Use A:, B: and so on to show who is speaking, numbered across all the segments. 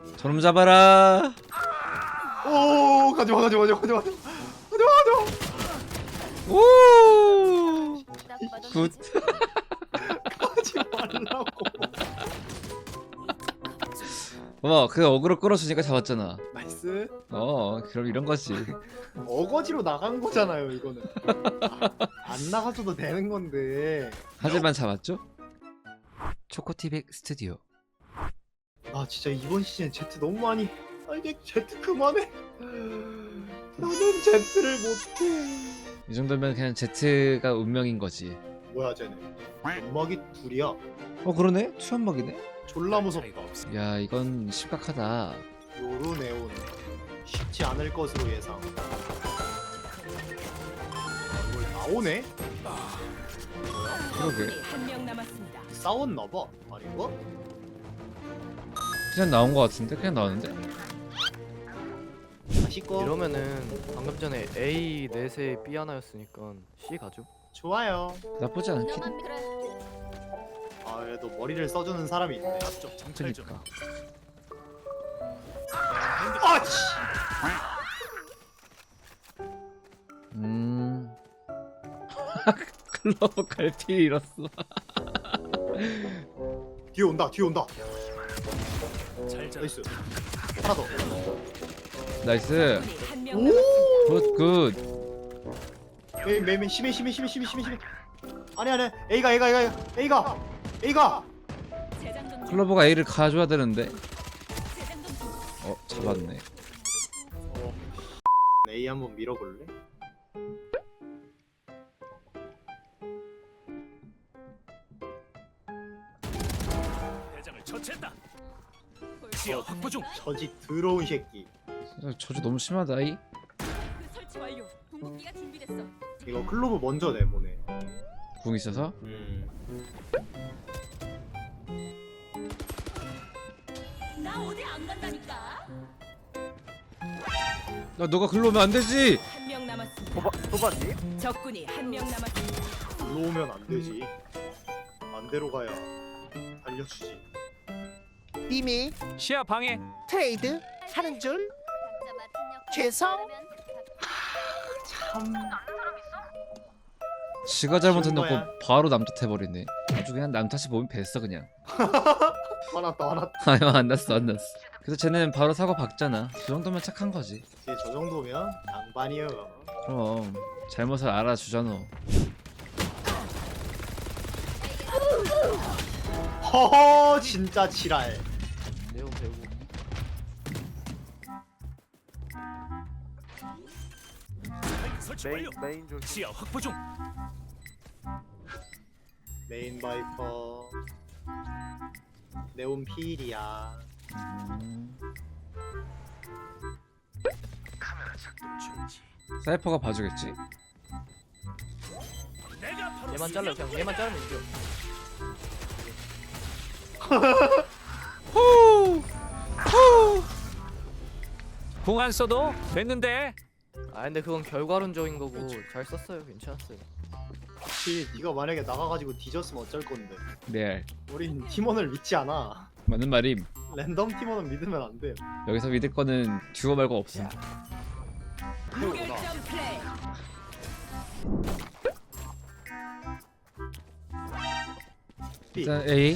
A: 저놈 잡아라.
B: 오 가져와 가져와 가져와 가져와 가져와
A: 오. 굿.
B: 가지 말라고.
A: 뭐 그 어그로 끌어주니까 잡았잖아.
B: 나이스.
A: 그럼 이런 거지.
B: 어거지로 나간 거잖아요 이거는. 안 나가줘도 되는 건데.
A: 하지만 잡았죠? 초코티백 스튜디오.
B: 아 진짜 이번 시즌 Z 너무 많이. 아 이제 Z 그만해. 나는 Z를 못해.
A: 이 정도면 그냥 Z가 운명인 거지.
B: 뭐야 쟤네. 연막이 둘이야.
A: 그러네? 투연막이네?
B: 졸라 무섭다.
A: 야 이건 심각하다.
B: 요로네온 쉽지 않을 것으로 예상. 뭘 나오네?
A: 그러게.
C: 한명 남았습니다.
B: 싸웠나봐. 아닌가?
A: 그냥 나온 거 같은데? 그냥 나왔는데?
B: 다시 꺼.
D: 이러면은 방금 전에 A 넷에 B 하나였으니까 C 가죠.
B: 좋아요.
A: 나쁘지 않긴 해.
B: 아 그래도 머리를 써주는 사람이 있네.
A: 그니까.
B: 아 씨.
A: 클로버 갈피 잃었어.
B: 뒤에 온다. 뒤에 온다. 나이스. 하나 더.
A: 나이스.
C: 한명
B: 오.
C: 남았습니다.
A: 굿.
B: 메인 심해. 아니 A가.
C: 재장전 중.
A: 클로버가 A를 가져야 되는데.
C: 재장전 중.
A: 잡았네.
B: A 한번 밀어볼래?
E: 대장을 처치했다. 지하 확보 중.
B: 저지 더러운 새끼.
A: 저주 너무 심하다 이.
C: 그 설치 완료. 궁극기가 준비됐어.
B: 이거 클로브 먼저 내보내.
A: 궁 있어서.
C: 나 어디 안 간다니까.
A: 야 너가 글로 오면 안 되지.
C: 한명 남았습니다.
D: 소바지?
C: 적군이 한명 남았습니다.
B: 일로 오면 안 되지. 반대로 가야 달려주지.
F: 이미
E: 시야 방해.
F: 트레이드 하는 줄 죄송.
B: 참.
A: 지가 잘못해놓고
B: 거야.
A: 바로 남탓 해버리네. 아주 그냥 남탓이 몸이 뱄어 그냥.
B: 화났다.
A: 아유 안 났어. 그래서 쟤는 바로 사고 박잖아. 그 정도면 착한 거지.
B: 이제 저 정도면 양반이요.
A: 그럼 잘못을 알아주잖아.
B: 허허 진짜 지랄.
D: 내용 배우고.
E: 설치 완료.
D: 메인 줄.
E: 지하 확보 중.
B: 메인 바이퍼. 네온 필이야.
A: 사이퍼가 봐주겠지?
E: 내가 바로
D: 얘만 잘라 그냥 얘만 자르면 이겨.
E: 공안 써도 됐는데.
D: 아 근데 그건 결과론적인 거고 잘 썼어요. 괜찮았어요.
B: 혹시 네가 만약에 나가가지고 뒤졌으면 어쩔 건데.
A: 레알.
B: 우린 팀원을 믿지 않아.
A: 맞는 말임.
B: 랜덤 팀원은 믿으면 안 돼.
A: 여기서 믿을 거는 듀오 말고 없음.
C: 무결점 플레이.
B: B.
A: 일단 A.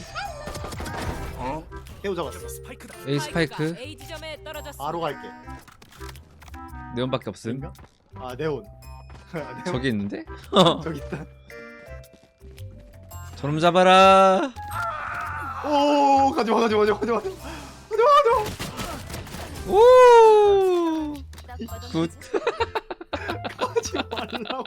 B: 태우 잡았어.
E: 스파이크다.
A: A 스파이크.
C: A 지점에 떨어졌습니다.
B: 바로 갈게.
A: 네온밖에 없음.
B: 인가? 아 네온. 네온.
A: 저기 있는데?
B: 저기 있다.
A: 저놈 잡아라.
B: 오 가져와.
A: 오. 굿.
B: 가지 말라고.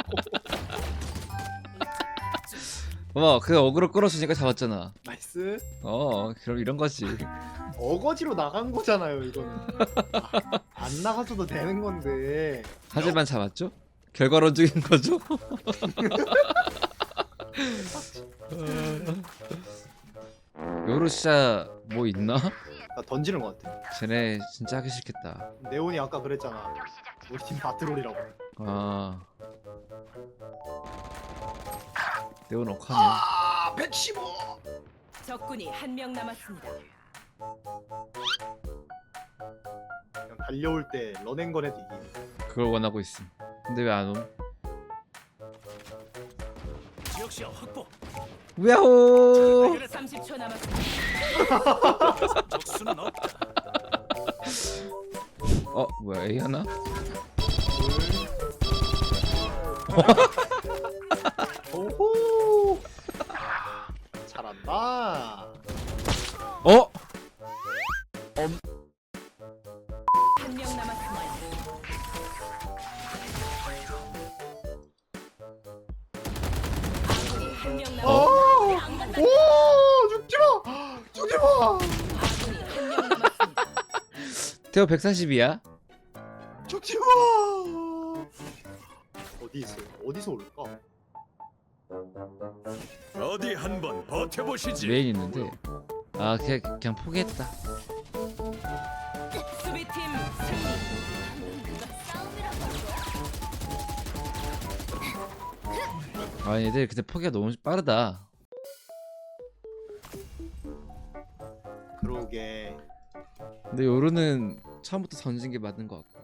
A: 그 어그로 끌어주니까 잡았잖아.
B: 나이스.
A: 그럼 이런 거지.
B: 어거지로 나간 거잖아요 이거는. 안 나가줘도 되는 건데.
A: 하지만 잡았죠? 결과론적인 거죠? 요루시아 뭐 있나?
B: 나 던지는 것 같아.
A: 쟤네 진짜 하기 싫겠다.
B: 네온이 아까 그랬잖아. 우리 팀 바트롤이라고.
A: 아 네온 억하네.
B: 아 115.
C: 적군이 한명 남았습니다.
B: 달려올 때 런앤건해도 이기네.
A: 그걸 원하고 있음. 근데 왜 안 옴?
E: 지역 시야 확보.
A: 야호!
C: 30초 남았습니다.
E: 적수는 없다.
A: 뭐야 A 하나?
B: 오호. 잘한다.
A: 어?
C: 한 명 남았습니다. 아군이 한 명 남았습니다.
B: 오, 죽지 마. 죽지 마.
C: 아군이 한 명 남았습니다.
A: 태호 140이야?
B: 죽지 마. 어디 있어? 어디서 올까?
E: 어디 한번 버텨보시지.
A: 메인 있는데. 아 그냥 포기했다.
C: 수비팀 승리.
A: 아 얘들 근데 포기가 너무 빠르다.
B: 그러게.
A: 근데 요루는 처음부터 던진 게 맞는 것 같고.